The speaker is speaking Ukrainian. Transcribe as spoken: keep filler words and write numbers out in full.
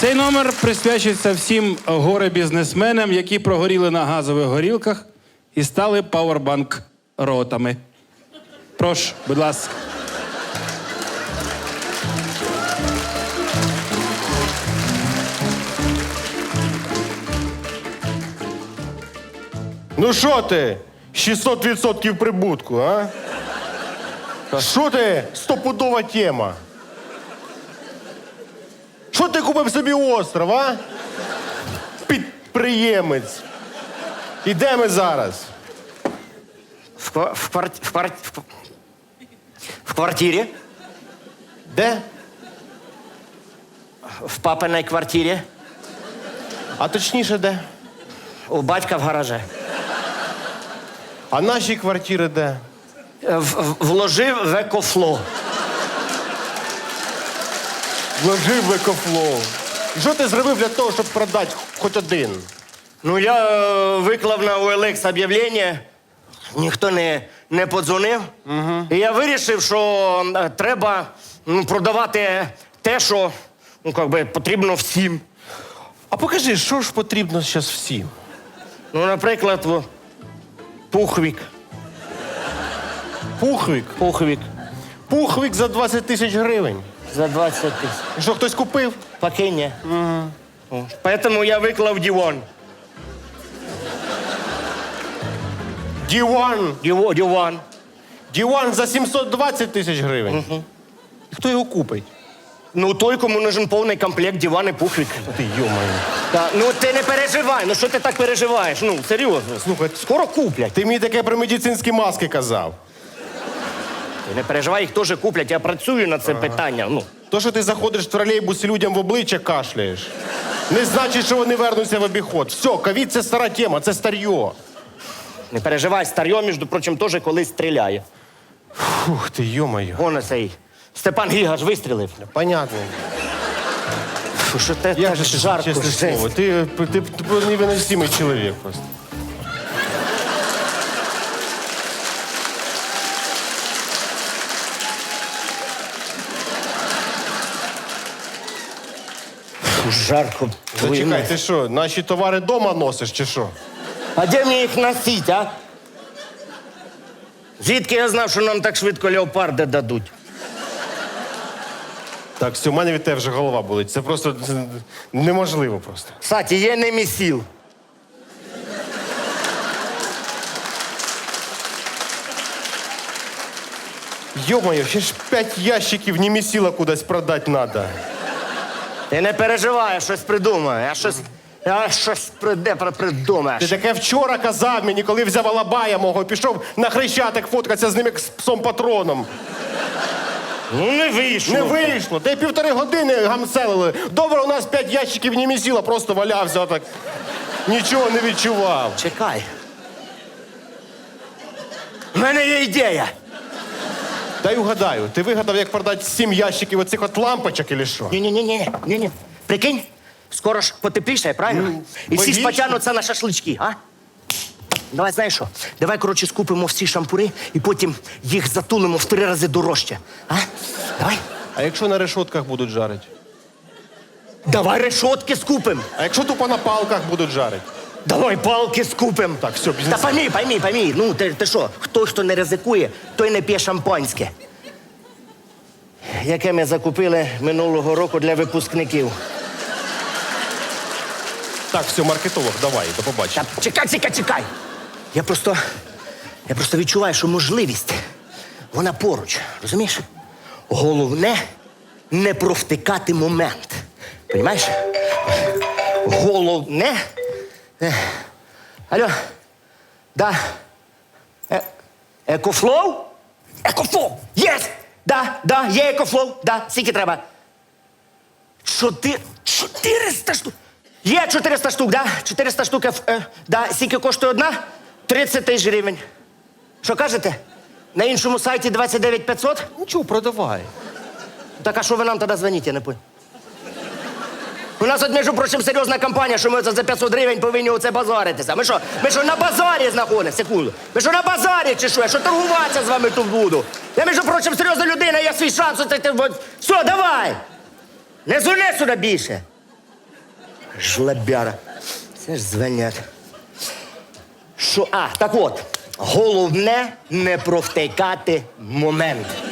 Цей номер присвячується всім горе-бізнесменам, які прогоріли на газових горілках і стали пауербанк-ротами. Прошу, будь ласка. Ну що ти? шістсот відсотків прибутку, а? Що ти? Стопудова тема. Що ти купив собі остров, а? Підприємець. І де ми зараз? В, ква- в, кварт... в, кварт... в... в квартирі. Де? В папиній квартирі. А точніше, де? У батька в гаражі. А наші квартири де? В, в, вложив в екофло. Вложив в екофлоу. І що ти зробив для того, щоб продати хоч один? Ну, я е, виклав на о ел ікс об'явлення, ніхто не, не подзвонив. Угу. І я вирішив, що е, треба ну, продавати те, що ну, как би, потрібно всім. А покажи, що ж потрібно зараз всім? Ну, наприклад, в- пухвік. Пухвик. Пухвік. Пухвик за двадцять тисяч гривень. За двадцять тисяч. І що, хтось купив? Поки ні. Угу. Поэтому я виклав диван. Діван. Діво- Диван. Діван за сімсот двадцять тисяч гривень. Угу. І хто його купить? Ну, той, кому нужен повний комплект диван і пухвік. Ти йомаю. Та, ну ти не переживай, ну що ти так переживаєш? Ну, серйозно. Слухай, Скоро куплять. ти мені таке про медицинські маски казав. Ти не переживай, їх теж куплять. Я працюю над цим питанням. Ну, То, що ти заходиш в тролейбус і людям в обличчя кашляєш, не значить, що вони вернуться в обіход. Все, ковід – це стара тема, це старьо. не переживай, старьо, між прочим, теж колись стріляє. Фух ти, йомаю. Вон цей Степан Гігаш вистрілив. Понятно. Фу, що те Я так же жарко. чесне жесть. слово. Ти, ти, ти, ти невиносимий чоловік просто. Фу, жарко. Зачекай, ти що, наші товари дома носиш чи що? А де мені їх носить, а? Звідки я знав, що нам так швидко леопарди дадуть? Так, все, у мене від тебе вже голова болить. Це просто це неможливо просто. Кстати, є немісіл. Йо-моє, ще ж п'ять ящиків немісіла кудись продати треба. Ти не переживай, я щось придумаю. Я щось, я щось приде, придумаєш. Ти таке вчора казав мені, коли взяв Алабая мого, пішов на Хрещатик фоткатися з ним як з псом-патроном. Ну, не вийшло. Не вийшло. Ти півтори години гамселили. Добре, у нас п'ять ящиків немісіла, просто валявся отак. Нічого не відчував. Чекай. У мене є ідея. Дай угадаю, ти вигадав, як продати сім ящиків оцих от лампочок, чи що? Ні-ні-ні, ні-ні. Прикинь, скоро ж потепліше, правильно? Ну, І всі ж логічно. потягнуться на шашлички, а? Давай, знаєш що? Давай, коротше, скупимо всі шампури і потім їх затулимо в три рази дорожче. А? Давай. А якщо на решотках будуть жарити? Давай решотки скупим. А якщо тупо на палках будуть жарити? Давай палки скупим. Так, все, бізнес. Та пойми, пойми, пойми. Ну, ти, ти що, хто, хто не ризикує, той не п'є шампанське. Яке ми закупили минулого року для випускників. Так, все, маркетолог, давай, до побачення. Та чекай, чекай, чекай. Я просто, я просто відчуваю, що можливість, вона поруч, розумієш? Головне не провтикати момент. Понімаєш? Головне. Е, Алло. Да. Е, екофлоу? Екофлоу! Єс! Да, да, є екофлоу. Да, скільки треба? Чотир... чотириста штук. Є чотириста штук, да? чотириста штук. Е, да, скільки коштує одна? тридцять тисяч гривень. Що кажете? На іншому сайті двадцять дев'ять п'ятсот? Нічого, продавай. Так а що ви нам тоді дзвоните, я не понял? У нас, от, між прочим, серйозна компанія, що ми за п'ятсот гривень повинні оце базаритися. Ми що, ми що на базарі знаходимося? Секунду. Ми що на базарі чи що? Я що торгуватися з вами тут буду? Я, між прочим, серйозна людина, я свій шанс. Оце, ти, от. Все, давай! Не дзвони сюди більше. жлебяра. Це ж звенять. Що, а, так от, головне не провтикати момент.